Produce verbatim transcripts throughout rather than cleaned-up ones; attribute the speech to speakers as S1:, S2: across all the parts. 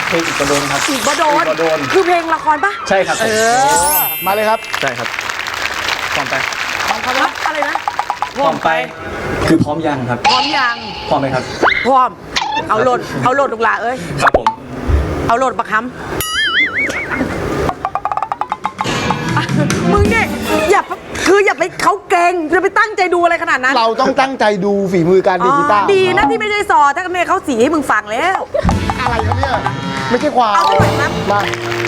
S1: เพลงอีกกระโดนครับ
S2: อีกบโดน
S1: อีกบโดน
S2: คือเพลงละครปะ
S1: ใช่ครับเอ
S3: อมาเลยครับ
S1: ใช่ครับพร้อมไป
S2: พร้อมครับอะไรนะ
S1: พร้อมไปคือพร้อมยังครับ
S2: พร้อมยัง
S1: พร้อมไหมครับ
S2: พร้อมเอาโหลดเอาโหลดลูกหลาเอ้ย
S1: ครับผม
S2: เอาโหลดปะคำมึงเนี่ยอย่าคืออย่าไปเขาเก่งจะไปตั้งใจดูอะไรขนาดนั้น
S3: เราต้องตั้งใจดูฝีมือการดีดกีตาร์
S2: ดีนะที่ไม่ใช่ซอถ้าเมย์เขาสีให้มึงฟังแล้ว
S3: อะไรครับเนี่ยไม่ใช่ความ
S2: เอาไปไหนนะ
S3: มา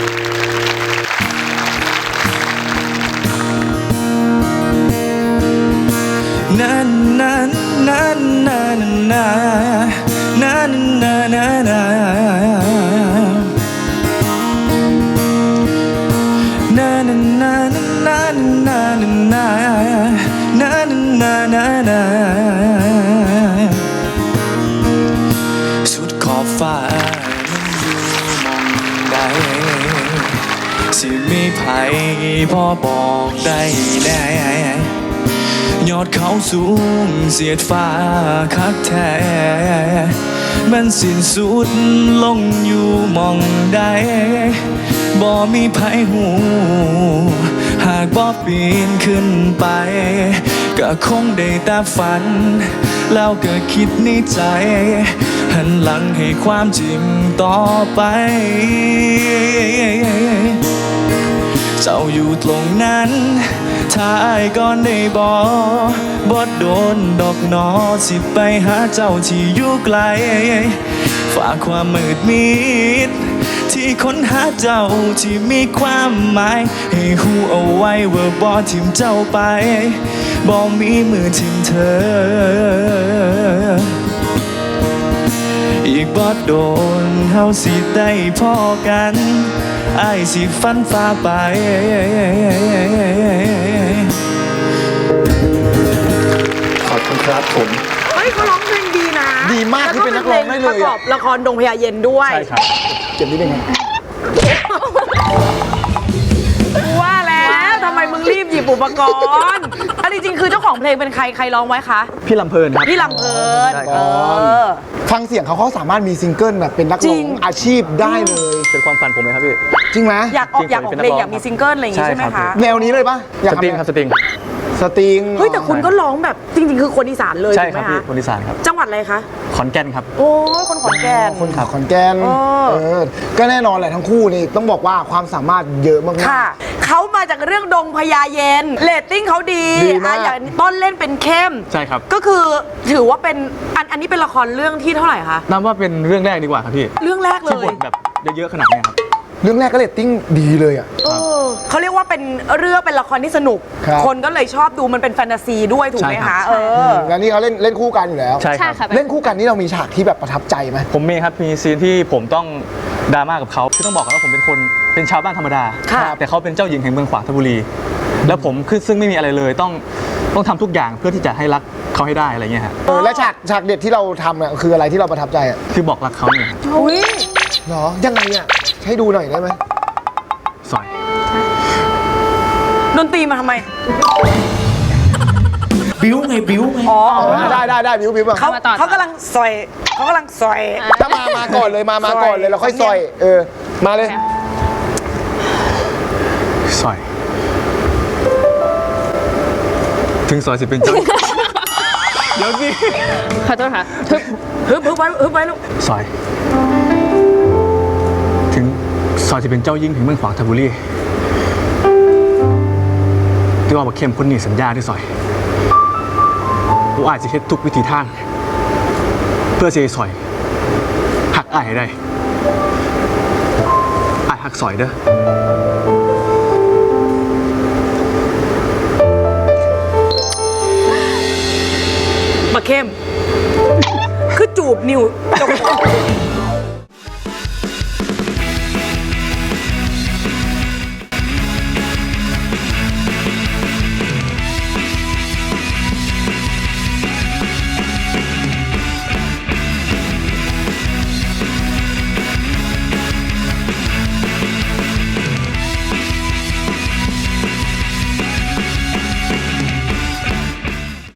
S1: นานานานานานานานานานานานานานานานานานานาสุดขอบฟ้านั้นอยู่มองใดสิมีไผพอบอกได้แน่ยอดเขาสูงเสียดฟ้าคักแท้มันสิ้นสุดลงอยู่มองใดบ่มีไผหูหากบ่ปีนขึ้นไปก็คงได้แต่ฝันแล้วก็คิดในใจหันหลังให้ความจริงต่อไปเจ้าอยู่ตรงนั้นถ้าอ้ายก่อนได้บอกบ่โดนดอกหนอสิไปหาเจ้าที่อยู่ไกลฝากความมืดมิดที่ค้นหาเจ้าที่มีความหมายให้หูเอาไว้ว่าบ่ทิมเจ้าไปบ่มีมือทิมเธออีกบ่โดนเฮาสิได้พ้อกันอ้ายสิฟันฟ้าไปขอบคุณครับผม
S2: เฮ้ยเขาร้องเพลงดีนะ
S3: ดีมากที่เป็นนักร้องได้เลย
S2: ประกอบละครดงพญาเย็นด้วย
S1: ใช่ครับ
S3: เก็บนิดนึง
S2: ว่าแล้วทำไมมึงรีบหยิบอุปกรณ์อันจริงๆคือเจ้าของเพลงเป็นใครใครร้องไว้คะ
S1: พี่ลำเพลินครับ
S2: พี่ลำเพลินเออ
S3: ฟังเสียงเขาเขาสามารถมีซิงเกิลแบบเป็นนักร้องอาชีพได้เลย
S1: เป็นความฝันผมไหมครับพี่
S3: จริงไหม
S2: อยากออกอยากออกเพลงอยากมีซิงเกิลอะไรอย่างงี้ใช่ไหมคะ
S3: แนวนี้เลยปะ
S1: สตริงครับสตริง
S3: สตริง
S2: เฮ้ยแต่คุณก็ร้องแบบจริงๆคือคนอีสานเลย
S1: ใช่
S2: ถูกไหม
S1: ครับพี่
S2: คะ
S1: คนอีสานครับ
S2: จังหวัดอะไรคะ
S1: ขอนแก่นครับ
S2: โอ้คนขอนแก่น
S3: คนขอนแก่นเออก็แน่นอนแหละทั้งคู่นี่ต้องบอกว่าความสามารถเยอะมาก
S2: ค่ะเขามาจากเรื่องดงพญาเย็นเรตติ้งเขาดีอ่ะอย่างต้นเล่นเป็นเข้ม
S1: ใช่ครับ
S2: ก็คือถือว่าเป็นอันอันนี้เป็นละครเรื่องที่เท่าไหร่คะ
S1: นับว่าเป็นเรื่องแรกดีกว่าครับพี่
S2: เรื่องแรกเลย
S1: ที่บทแบบเยอะๆขนาดนี้ครับ
S3: เรื่องแรกก็เรตติ้งดีเลยอ่ะ
S2: เขาเรียกว่าเป็นเรื่องเป็นละครที่สนุกคนก็เลยชอบดูมันเป็นแฟนตาซีด้วยถูกไหมคะเออ
S3: แล้วนี่เขาเล่นเล่นคู่กันอยู่แล้ว
S1: ใช่ครับ
S3: เล่นคู่กันนี่เรามีฉากที่แบบประทับใจไหม
S1: ผมมีครับมีซีนที่ผมต้องดราม่ากับเขาคือต้องบอกกันว่าผมเป็นคนเป็นชาวบ้านธรรมดาแต่เขาเป็นเจ้าหญิงแห่งเมืองขวางธนบุรีแล้วผมคือซึ่งไม่มีอะไรเลยต้องต้องทำทุกอย่างเพื่อที่จะให้รักเขาให้ได้อะไรเงี้ยฮะ
S3: เออและฉากฉากเด็ดที่เราทำอ่ะคืออะไรที่เราประทับใจอ่ะ
S1: คือบอกรักเขาเนี่ย
S2: อุ้ย
S3: เหรอยังไงอ่ะให้ดูหน่อยได้ไหม
S1: สอย
S2: ดนตรีมาทำไม
S1: บิ้วไงบิ้วไง
S2: อ๋อ
S3: ได้ได้ได้บิ้วบิ้วบ้าง
S2: เขาเขากำลังซอยเขากำลังซอย
S3: ถ้ามามาก่อนเลยมามาก่อนเลยเราค่อยซอยเออมาเลย
S1: ซอยถึงซอยสิเป็นเจ้าเดี๋ยวสิ
S4: ขอโทษค่ะ
S2: ฮึบฮึบฮึบไว้ฮึบไว้ลูก
S1: ซอยถึงซอยจะเป็นเจ้ายิ่งถึงเมืองขวางธนบุรีที่ว่าบอกเข้มคนนี้สัญญาที่ซอยกูอาจจะเฮ็ดทุกวิธีทางเพื่อเสียซอยหักอ้ายให้ได้อ้ายหักซอยเด้อ
S2: มาเข้มคือจูบนิ้ว